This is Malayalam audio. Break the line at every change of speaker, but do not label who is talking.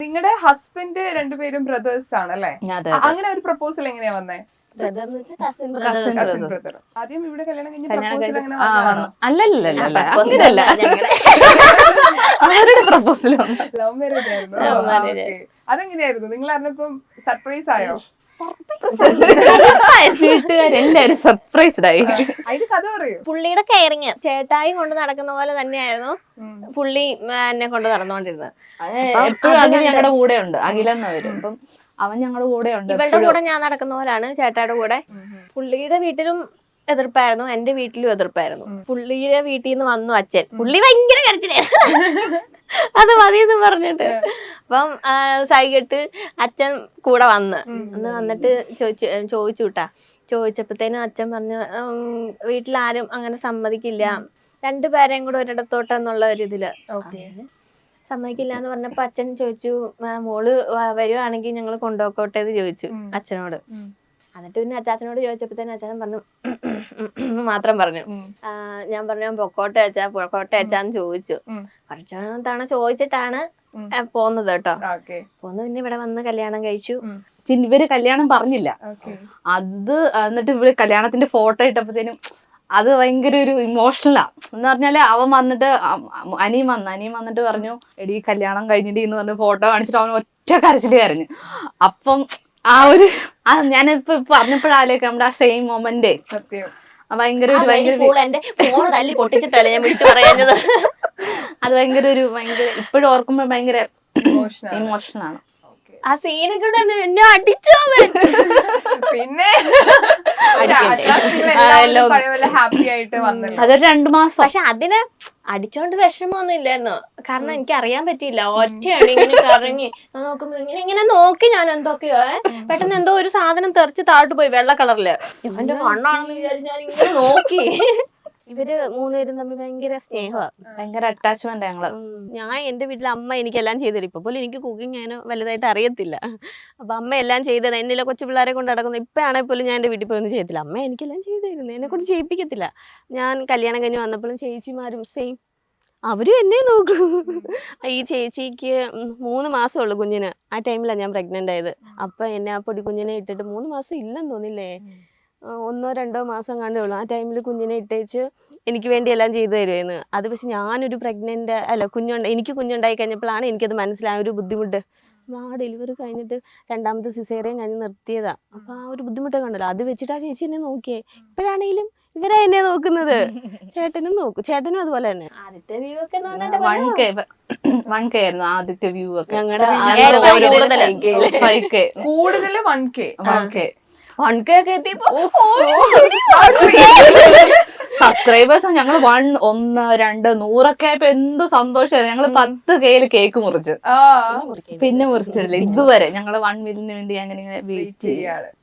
നിങ്ങളുടെ ഹസ്ബൻഡ് രണ്ടുപേരും ബ്രദേഴ്സ് ആണല്ലേ? അങ്ങനെ ഒരു പ്രപ്പോസൽ എങ്ങനെയാ വന്നേ? Cousin brother. ആദ്യം ഇവിടെ കല്യാണം കഴിഞ്ഞ് പ്രപ്പോസൽ അങ്ങനെ വന്നതാണോ?
അല്ലല്ല അവരുടെ പ്രപ്പോസൽ
ലവ് മാരേജ് ആയിരുന്നു. അതെങ്ങനെയായിരുന്നു? നിങ്ങൾ അറിഞ്ഞപ്പം സർപ്രൈസ് ആയോ?
വീട്ടുകാരെല്ലാരും സർപ്രൈസ്ഡ് ആയി.
അതിന് കഥ പറയൂ.
പുള്ളിയുടെ കെയറിങ് ചേട്ടായി കൊണ്ട് നടക്കുന്ന പോലെ തന്നെയായിരുന്നു പുള്ളി എന്നെ കൊണ്ട് നടന്നുകൊണ്ടിരുന്നത്.
എപ്പോഴും അതിന് ഞങ്ങളുടെ കൂടെ ഉണ്ട്. അഖിലെന്നവരും അപ്പം അവൻ ഞങ്ങളുടെ കൂടെ ഉണ്ട്.
ഇവളുടെ കൂടെ ഞാൻ നടക്കുന്ന പോലാണ് ചേട്ടായുടെ കൂടെ. പുള്ളിയുടെ വീട്ടിലും എതിർപ്പായിരുന്നു, എന്റെ വീട്ടിലും എതിർപ്പായിരുന്നു. പുള്ളിയുടെ വീട്ടിൽ നിന്ന് വന്നു അച്ഛൻ. പുള്ളി ഭയങ്കര കരച്ചിലായിരുന്നു, അത് മതിയെന്ന് പറഞ്ഞിട്ട്. അപ്പം സൈകിട്ട് അച്ഛൻ കൂടെ വന്നിട്ട് ചോദിച്ചു വിട്ടാ. ചോദിച്ചപ്പോഴത്തേനും അച്ഛൻ പറഞ്ഞു വീട്ടിലാരും അങ്ങനെ സമ്മതിക്കില്ല, രണ്ടുപേരെയും കൂടെ ഒരിടത്തോട്ടെന്നുള്ള ഒരിതില് സമ്മതിക്കില്ല എന്ന് പറഞ്ഞപ്പോ അച്ഛൻ ചോദിച്ചു മോള് വരുവാണെങ്കിൽ ഞങ്ങൾ കൊണ്ടുപോക്കോട്ടെ എന്ന് ചോദിച്ചു അച്ഛനോട്. എന്നിട്ട് പിന്നെ അച്ചാച്ചനോട് ചോദിച്ചപ്പോഴത്തേനും അച്ഛൻ പറഞ്ഞു മാത്രം പറഞ്ഞു. ഞാൻ പറഞ്ഞു പൊക്കോട്ടെ അച്ഛാന്ന് ചോദിച്ചു. കുറച്ച് തവണ ചോദിച്ചിട്ടാണ് പോന്നത് കേട്ടോ. പോന്ന് പിന്നെ ഇവിടെ വന്ന് കല്യാണം കഴിച്ചു.
ഇവര് കല്യാണം പറഞ്ഞില്ല. അത് എന്നിട്ട് ഇവര് കല്യാണത്തിന്റെ ഫോട്ടോ ഇട്ടപ്പോഴത്തേനും അത് ഭയങ്കര ഒരു ഇമോഷണലാ. എന്ന് പറഞ്ഞാല് അവൻ വന്നിട്ട് അനിയും വന്നിട്ട് പറഞ്ഞു എടി കല്യാണം കഴിഞ്ഞിട്ട് എന്ന് പറഞ്ഞ് ഫോട്ടോ കാണിച്ചിട്ട് അവൻ ഒറ്റ കരച്ചില് കരഞ്ഞു. അപ്പം ആ ഒരു ഞാനിപ്പോ പറഞ്ഞപ്പോഴാലേക്ക് നമ്മുടെ ആ സെയിം മൊമെന്റ് ഭയങ്കര
അത്
ഭയങ്കര ഇപ്പോഴും ഓർക്കുമ്പോ ഭയങ്കര ഇമോഷണൽ ആണ്.
ആ സീനൊക്കെ എന്നെ അടിച്ചോ.
പിന്നെ ഹാപ്പി ആയിട്ട് വന്നു.
അതൊരു 2 മാസം.
പക്ഷെ അതിന് അടിച്ചോണ്ട് വിഷമമൊന്നും ഇല്ലായിരുന്നു. കാരണം എനിക്ക് അറിയാൻ പറ്റിയില്ല, ഒറ്റയാണ് ഇങ്ങനെ കറങ്ങി നോക്കുമ്പോ ഇങ്ങനെ നോക്കി ഞാൻ എന്തൊക്കെയോ പെട്ടെന്ന് എന്തോ ഒരു സാധനം തെറിച്ച് താഴോട്ട് പോയി വെള്ള കളറില്. ഇവന്റെ മണ്ണാണെന്ന് വിചാരിച്ച് ഞാൻ ഇങ്ങനെ നോക്കി. ഇവര് 3 പേരും തമ്മിൽ ഭയങ്കര സ്നേഹമാണ്,
ഭയങ്കര അറ്റാച്ച്മെന്റ് ഞങ്ങള്.
ഞാൻ എന്റെ വീട്ടിൽ അമ്മ എനിക്കെല്ലാം ചെയ്തു തരും. ഇപ്പൊ പോലും എനിക്ക് കുക്കിംഗ് അങ്ങനെ വലുതായിട്ട് അറിയത്തില്ല. അപ്പൊ അമ്മ എല്ലാം ചെയ്തത് എന്നില്ല കൊച്ചു പിള്ളേരെ കൊണ്ട് നടക്കുന്നത്. ഇപ്പൊ ആണെങ്കിൽ പോലും ഞാൻ എന്റെ വീട്ടിൽ പോയി ഒന്നും ചെയ്യത്തില്ല, അമ്മ എനിക്കെല്ലാം ചെയ്തു തരുന്നത്, എന്നെ കൊണ്ട് ചെയ്യിപ്പിക്കത്തില്ല. ഞാൻ കല്യാണം കഴിഞ്ഞ് വന്നപ്പോഴും ചേച്ചിമാരും സെയിം, അവരും എന്നെ നോക്കും. ഈ ചേച്ചിക്ക് 3 മാസമുള്ളൂ കുഞ്ഞിന്. ആ ടൈമിലാണ് ഞാൻ പ്രഗ്നന്റ് ആയത്. അപ്പൊ എന്നെ ആ പൊടി കുഞ്ഞിനെ ഇട്ടിട്ട് 3 മാസം ഇല്ലെന്ന് തോന്നില്ലേ, 1-2 മാസം കണ്ടേ ഉള്ളൂ. ആ ടൈമിൽ കുഞ്ഞിനെ ഇട്ടേച്ച് എനിക്ക് വേണ്ടി എല്ലാം ചെയ്തു തരുമായിരുന്നു. അത് പക്ഷെ ഞാനൊരു എനിക്ക് കുഞ്ഞുണ്ടായി കഴിഞ്ഞപ്പോഴാണ് എനിക്കത് മനസ്സിലായ ഒരു ബുദ്ധിമുട്ട്. ആ ഡെലിവറി കഴിഞ്ഞിട്ട് 2ാമത്തെ സിസേറിയൻ കഴിഞ്ഞ് നിർത്തിയതാ. അപ്പൊ ആ ഒരു ബുദ്ധിമുട്ട് കണ്ടല്ലോ, അത് വെച്ചിട്ട് ആ ചേച്ചി എന്നെ നോക്കിയേ. ഇപ്പോഴാണെങ്കിലും ഇവരാ എന്നെ നോക്കുന്നത്. ചേട്ടനും നോക്കും, ചേട്ടനും അതുപോലെ തന്നെ. ആദ്യത്തെ വ്യൂ ഒക്കെ
1K ആയിരുന്നു ആദ്യത്തെ വ്യൂ ഒക്കെ.
കൂടുതൽ 1K
1K ഒക്കെ എത്തിയപ്പോ
സബ്സ്ക്രൈബേഴ്സ് ഞങ്ങൾ 1, 2, 100 ആയപ്പോ എന്ത് സന്തോഷമായിരുന്നു. ഞങ്ങള് 10K കേക്ക് മുറിച്ച് പിന്നെ മുറിച്ചിട്ടില്ല ഇതുവരെ. ഞങ്ങള് 1 മില്യന് വേണ്ടി അങ്ങനെ വെയിറ്റ് ചെയ്യാണ്.